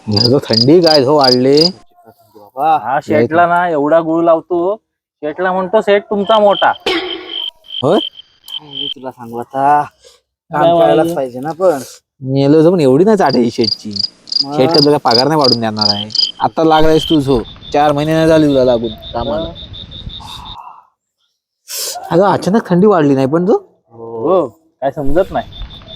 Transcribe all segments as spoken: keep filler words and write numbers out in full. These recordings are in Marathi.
ह्याचं थंडी काय झो वाढले बाबा हा शेटला ना एवढा गुळ लावतो. शेटला म्हणतो सेट तुमचा मोठा. होय मी तुला सांगू आता काम करायलाच पाहिजे ना. पण मेलो जाऊन एवढी नाही चाटायची शेटची. शेट का तुला पगार नाही वाढून देणार आहे. आता लागलायस तू झो चार महिने नाही झाली तुला लागून कामाला. अगं अचानक थंडी वाढली नाही पण तू हो काय समजत नाही.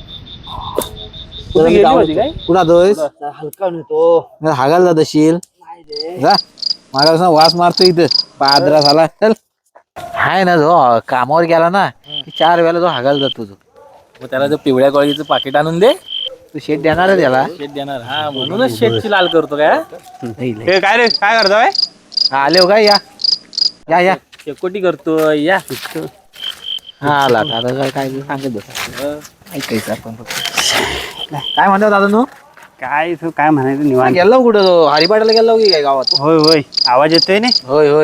कुठे गेली होती काय? कुठं दोयस हलका नेतो हागायला जात असेल जा. मला वास मारतो इथं पादरा झाला चल. हाय ना जो कामावर गेला ना की चार वेळेला जो हागायला जातो तो. मग त्याला जो पिवळ्या कॉळीचं पाकिट आणून दे. तू शेट देणार आहे त्याला. शेट देणार हा म्हणूनच शेटची लाल करतो काय. हे काय रे काय करतोय? आले हो काय या या या शेकोटी करतो या. हा आला आता काय काय सांगत बस ऐकायचं आपण फक्त. काय म्हणतात दादा तू काय तू काय म्हणायचं निवांत? गेला कुठं तो हरिपाठाला गेला की काय गावात. होय होय आवाज येतोय ना. होय होय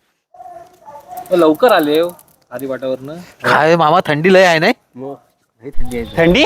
लवकर आले हो हरिपाठावरनं. काय मामा थंडी लय आहे नाही. थंडी आहे थंडी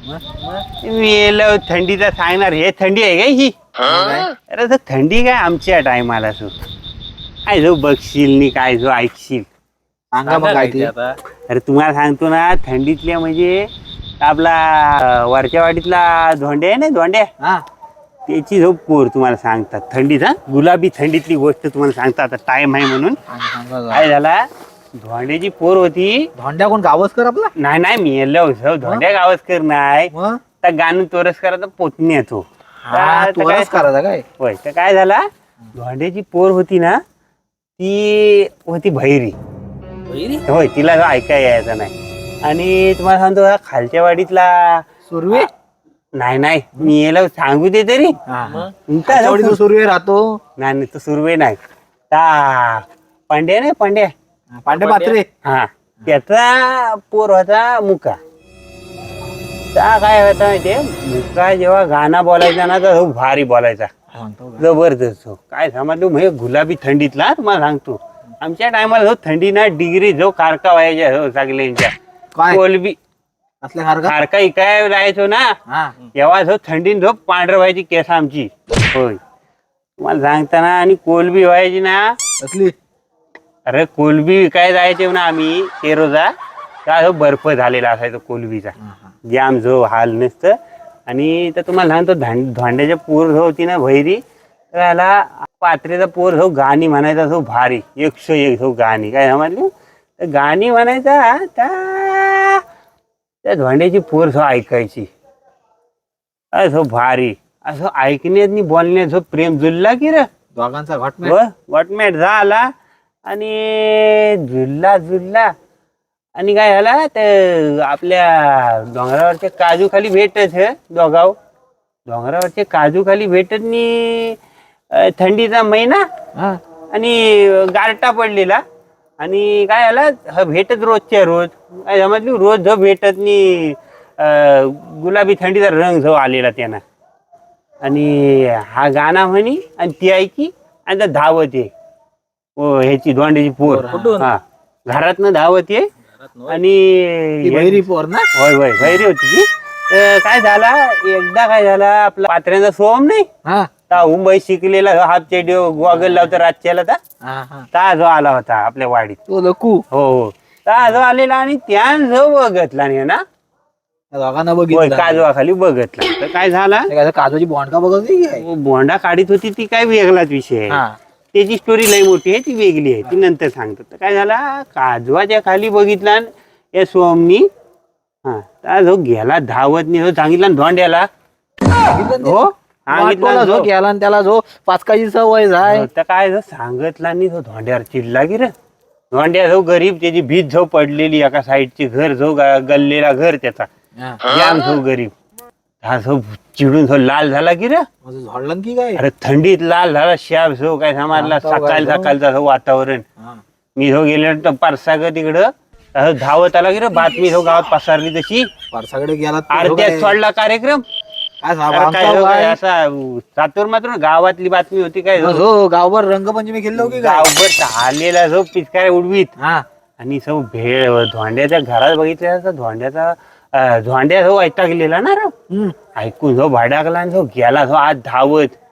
मी थंडीचा सांगणार. हे थंडी आहे काय ही? अरे तर थंडी काय आमच्या टायमाला तू काय जो बघशील नी काय जो ऐकशील सांगा मग काय ते आता. अरे तुम्हाला सांगतो ना थंडीतल्या म्हणजे आपला वरच्या वाडीतला धोंड्या आहे ना धोंड्या हा त्याची झोप पोर तुम्हाला सांगतात. थंडीचा गुलाबी थंडीतली गोष्ट तुम्हाला सांगतात. आता टाइम आहे म्हणून काय झाला धोंड्याची पोर होती. धोंड्या कोण गावस्कर आपला. नाही नाही मी येलो धोंड्या गावस्कर नाही मग त्या गाणं तोरसकराचा पोतणी येतो. तोच करायचा काय. होय तर काय झाला धोंड्याची पोर होती ना ती होती भैरी. होय तिला जो ऐकाय यायचा नाही. आणि तुम्हाला सांगतो खालच्या वाडीतला सुरवे नाही नाही मी याला सांगू दे तरी जो सुरवे राहतो. नाही नाही तो सुरवे नाही ता पांड्या नाही पांड्या पांडे पात्रे. हा त्याचा पोर होता मुका. त्या काय होता माहितीये मुका जेव्हा गाणं बोलायचा ना तर भारी बोलायचा जबरदस्त. काय समजलो म्हणजे गुलाबी थंडीतला तुम्हाला सांगतो. आमच्या टायमाला जो थंडी ना डिग्री जो कारका व्हायच्या हो सगळ्यांच्या कोलबी असल्या सारखा कारका इकाय जायचो ना तेव्हा जो थंडीन जो पांढर व्हायची केस आमची. होय तुम्हाला सांगताना आणि कोलबी व्हायची ना असली. अरे कोलबी विकाय जायचे ना आम्ही ते रोजा त्या जो बर्फ झालेला असायचा कोलबीचा जाम जो हाल नसतं. आणि तर तुम्हाला सांगतो धोंड्याच्या पोर जो होती ना भैरी त्याला पात्रेचा पोर जो गाणी म्हणायचा जो भारी एकशे एक जो गाणी काय समजली तर गाणी म्हणायचा त्या त्या धोंड्याची पोर जो ऐकायची असं भारी असं ऐकण्यात बोलण्यात जो प्रेम जुळला की रे दोघांचा घट वॉटमॅट झाला. आणि झुलला झुलला आणि काय झाला ते आपल्या डोंगरावरच्या काजू खाली भेटत हे दोघाव डोंगरावरचे काजू खाली भेटत नी थंडीचा महिना आणि गारटा पडलेला. आणि काय झाला भेटत रोजच्या रोज काय समजली रोज जो भेटत नी गुलाबी थंडीचा रंग जो आलेला त्यांना. आणि हा गाणं म्हणी आणि ती ऐकी आणि त्या धावत ये ह्याची धोंड्याची पोर हा घरातनं धावत ये. आणि भैरी पोर ना. होय होय भैरी होती ती. काय झाला एकदा काय झाला आपला पात्र्यांचा सोम नाही ता मुंबई शिकलेला हाफ चेडी गॉगल लावता रातच्याला ता जो आला होता आपल्या वाडीत तो लकू. हो हो ता जो आलेला आणि त्यान जो बघतला नाही ना दोघांना बघितलं काजवाखाली बघतला. तर काय झाला काजूची बोंडका बघत बोंडा काढीत होती ती काय वेगळाच विषय आहे. त्याची स्टोरी लई मोठी आहे ती वेगळी आहे ती नंतर सांगतो. तर काय झाला काजवाच्या खाली बघितला या सोमनी हा त्या जो गेला धावत नाही जो सांगितला धोंड्याला हो सांगितला जो गेला आणि त्याला जो पाचकाची सवय जाय तर काय जो सांगितला नाही तो धोंड्यावर चिडला की रे. धोंड्या जो गरीब त्याची भीत जो पडलेली एका साईडची घर जो गल्लेला घर त्याचा जाम जो गरीब हा जो चिडून जो लाल झाला की रे झडलं की काय. अरे थंडीत लाल झाला शाब जो काय समाजला सकाळ सकाळचा वातावरण. मी जो गेले पारसाग तिकडं धावत आला की रे बातमी जो गावात पसरली तशी पारसाकडे गेला अर्ध्यात सोडला कार्यक्रम. असा सातूर मात्र गावातली बातमी होती काय गावभर रंगपंचमी खेळलो की गावभर आलेला जो पिचकाऱ्या उडवीत आणि सब भेळ धोंड्याच्या घरात बघितल्या धोंड्याचा धोंड्या जो ऐकता गेलेला ना रे ऐकून जो भाडाकला जो गेला जो आज धावत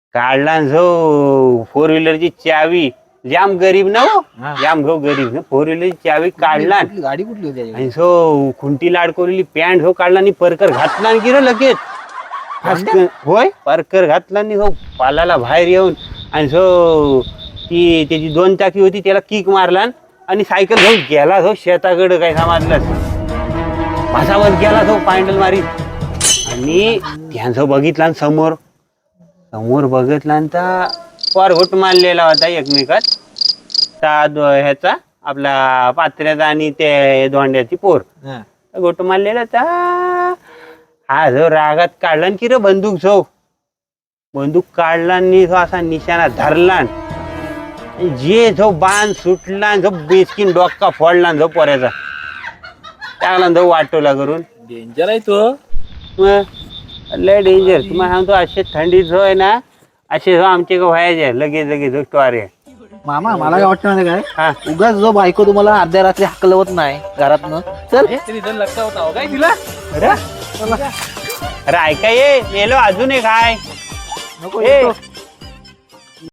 काढला न जो फोर व्हीलरची चावी, जाम गरीब ना हो, हा. जाम गो गरीब ना, फोर व्हीलरची चावी काढला कुठली गाडी कुठली होती त्याच्याकडे? आणि सो खुंटी लाडकोरलेली पॅन्ट हो काढला आणि परकर घातला आणि गिर लगेच फास्कन. होय परकर घातला आणि हो पालाला बाहेर येऊन आणि सो ती त्याची दोन चाकी होती त्याला किक मारला आणि सायकल घेऊन गेला हो शेताकडं काय समजलं भासावर गेला तो पायंडल मारीत. आणि त्यांचं बघितला आणि समोर समोर बघितला आणि तर फार घोट मारलेला होता एकमेकात त्या दो- ह्याचा आपला पात्र्याचा आणि ते दोंड्याची पोर हा. गोट मारलेला ता हा जो रागात काढला की रे बंदूक जो बंदूक काढला आणि जो असा निशाणा धरला आणि जे जो बाण सुटला आणि जो बेसकीन डोक्का फोडला आणि जो पोऱ्याचा टाकला आणि जो वाटोला करून. डेंजर आहे तो. मग लय डेंजर तुम्हाला सांगतो असे थंडीत जो आहे ना असे जो आमचे का व्हायचे लगेच लगेच जो स्टोरी आहे. मामा मला काय वाटतं माहिती काय, हा उगाच जो बायको तुम्हाला अर्ध्या रात्री हकलवत नाही घरातनं, चल लक्षात होता काय तिला. अरे अरे ऐका ये मेलो अजून एक हाय नको ए, येतो.